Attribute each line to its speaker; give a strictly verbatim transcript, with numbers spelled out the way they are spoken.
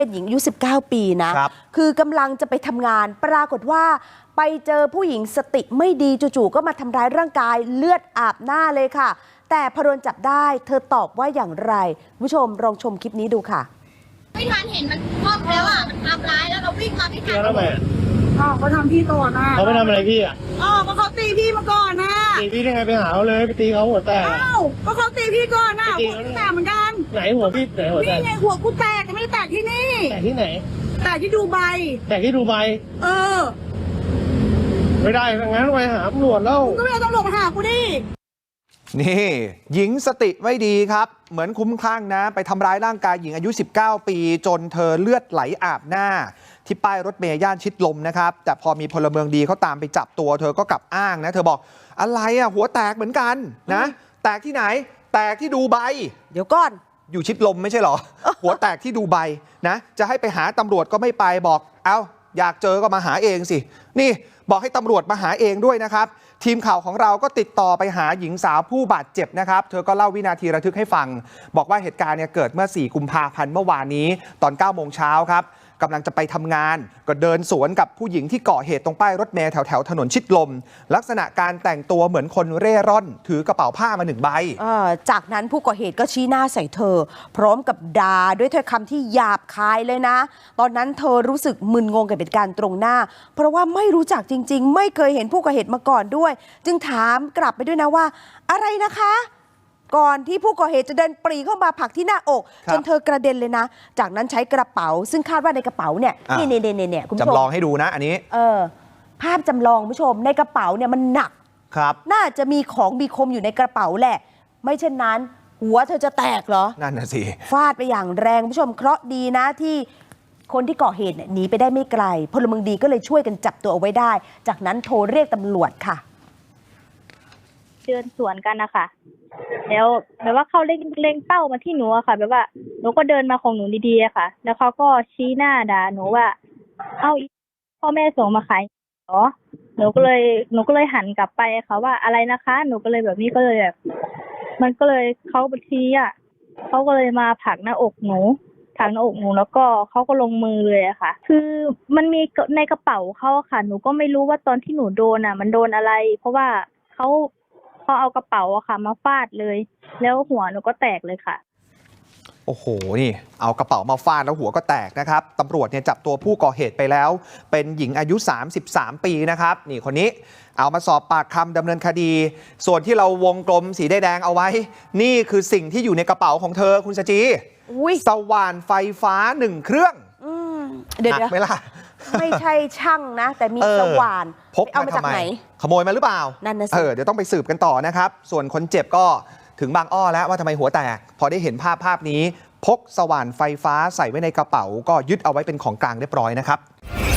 Speaker 1: เป็นหญิงอายุสิบเก้าปีนะคือกำลังจะไปทำงานปรากฏว่าไปเจอผู้หญิงสติไม่ดีจู่ๆก็มาทำร้ายร่างกายเลือดอาบหน้าเลยค่ะแต่พอโดนจับได้เธอตอบว่าอย่างไรผู้ชมลองชมคลิปนี้ดูค่ะ
Speaker 2: ไม่ทันเห็นมันครอบแล้วอ่ะมันทำร้ายแล้วเราวิ่งมาไม่ทัน
Speaker 3: แล้วทำไม
Speaker 4: อ๋อเขาทำพี่ก่อนนะ
Speaker 3: เขาไปทำอะไรพี่อ่ะ
Speaker 4: อ๋อก็เขาตีพี่มาก่อนนะ
Speaker 3: ตีพี่ได้ไงไปหาเขาเลยไปตีเขาหัวแตก
Speaker 4: อ้าวก็เขาตีพี่ก่อนนะหัวแตกเหมือนกัน
Speaker 3: ไหนหัวพี่ไหนหัวแตก
Speaker 4: นี่ไงหัวกูแตกไม่ได้แตกที่นี่
Speaker 3: แตกที่ไหน
Speaker 4: แตกที่ดูใบ
Speaker 3: แตกที่ดูใบ
Speaker 4: เออ
Speaker 3: ไม่ได้งั้นไปหาตำรวจแล้ว
Speaker 4: ก็ไม่เอาตำรวจมาหากูดิ
Speaker 5: นี่หญิงสติไม่ดีครับเหมือนคุ้มคลั่งนะไปทำร้ายร่างกายหญิงอายุสิบเก้าปีจนเธอเลือดไหลอาบหน้าที่ป้ายรถเมย์ย่านชิดลมนะครับแต่พอมีพลเมืองดีเขาตามไปจับตัวเธอก็กลับอ้างนะเธอบอกอะไรอ่ะหัวแตกเหมือนกันนะแตกที่ไหนแตกที่ดูใบ
Speaker 1: เดี๋ยวก่อน
Speaker 5: อยู่ชิดลมไม่ใช่หรอ หัวแตกที่ดูใบนะจะให้ไปหาตำรวจก็ไม่ไปบอกเอ้าอยากเจอก็มาหาเองสินี่บอกให้ตำรวจมาหาเองด้วยนะครับทีมข่าวของเราก็ติดต่อไปหาหญิงสาวผู้บาดเจ็บนะครับเธอก็เล่าวินาทีระทึกให้ฟังบอกว่าเหตุการณ์เนี่ยเกิดเมื่อสี่กุมภาพันธ์เมื่อวานนี้ตอนเก้าโมงเช้าครับกำลังจะไปทำงานก็เดินสวนกับผู้หญิงที่เกาะเหตุตรงป้ายรถเมล์แถวแถวถนนชิดลมลักษณะการแต่งตัวเหมือนคนเร่ร่อนถือกระเป๋าผ้ามาหนึ่งใบ
Speaker 1: จากนั้นผู้ก่อเหตุก็ชี้หน้าใส่เธอพร้อมกับด่าด้วยถ้อยคำที่หยาบคายเลยนะตอนนั้นเธอรู้สึกมึนงงกับเหตุการณ์ตรงหน้าเพราะว่าไม่รู้จักจริงๆไม่เคยเห็นผู้ก่อเหตุมาก่อนด้วยจึงถามกลับไปด้วยนะว่าอะไรนะคะก่อนที่ผู้ก่อเหตุจะเดินปรีเข้ามาผลักที่หน้าอกจนเธอกระเด็นเลยนะจากนั้นใช้กระเป๋าซึ่งคาดว่าในกระเป๋าเนี่ยนี่เนี่ยเนี่ยเนี่ยคุณผู้ชม
Speaker 5: จำลองให้ดูนะอันนี้
Speaker 1: เออภาพจำลองผู้ชมในกระเป๋าเนี่ยมันหนัก
Speaker 5: ครับ
Speaker 1: น่าจะมีของมีคมอยู่ในกระเป๋าแหละไม่เช่นนั้นหัวเธอจะแตกเหรอ
Speaker 5: นั่นน่ะสิ
Speaker 1: ฟาดไปอย่างแรงผู้ชมเคราะห์ดีนะที่คนที่ก่อเหตุหนีไปได้ไม่ไกลพลเมืองดีก็เลยช่วยกันจับตัวเอาไว้ได้จากนั้นโทรเรียกตำรวจค่ะ
Speaker 2: เดินสวนกันนะคะแล้วแบบว่าเขาเล็งเล็งเป้ามาที่หนูอะค่ะแบบว่าหนูก็เดินมาของหนูดีๆอะค่ะแล้วเขาก็ชี้หน้าด่าหนูว่าเอ้าพ่อแม่ส่งมาขายเหรอหนูก็เลยหนูก็เลยหันกลับไปค่ะว่าอะไรนะคะหนูก็เลยแบบนี้ก็เลยแบบมันก็เลยเขาบัญชีอะเขาก็เลยมาผลักหน้าอกหนูผลักหน้าอกหนูแล้วก็เขาก็ลงมือเลยอะค่ะคือมันมีในกระเป๋าเขาค่ะหนูก็ไม่รู้ว่าตอนที่หนูโดนอะมันโดนอะไรเพราะว่าเขาเขาเอากระเป๋าอะค่ะมาฟาดเลยแล้วหัวหนูก็แตกเลยค่ะ
Speaker 5: โอ้โหนี่เอากระเป๋ามาฟาดแล้วหัวก็แตกนะครับตำรวจเนี่ยจับตัวผู้ก่อเหตุไปแล้วเป็นหญิงอายุสามสิบสามปีนะครับนี่คนนี้เอามาสอบปากคำดำเนินคดีส่วนที่เราวงกลมสีแดงเอาไว้นี่คือสิ่งที่อยู่ในกระเป๋าของเธอคุณสจีสว่านไฟฟ้าหนึ่งเครื่อง
Speaker 1: เดี๋ยว
Speaker 5: ไหมล่ะ
Speaker 1: ไม่ใช่ช่างนะแต่มีสว่าน
Speaker 5: พกเอามาจากไหนขโมยมาหรือเปล่า
Speaker 1: นั่นนะสิ
Speaker 5: เออเดี๋ยวต้องไปสืบกันต่อนะครับส่วนคนเจ็บก็ถึงบางอ้อแล้วว่าทำไมหัวแตกพอได้เห็นภาพภาพนี้พกสว่านไฟฟ้าใส่ไว้ในกระเป๋าก็ยึดเอาไว้เป็นของกลางเรียบร้อยนะครับ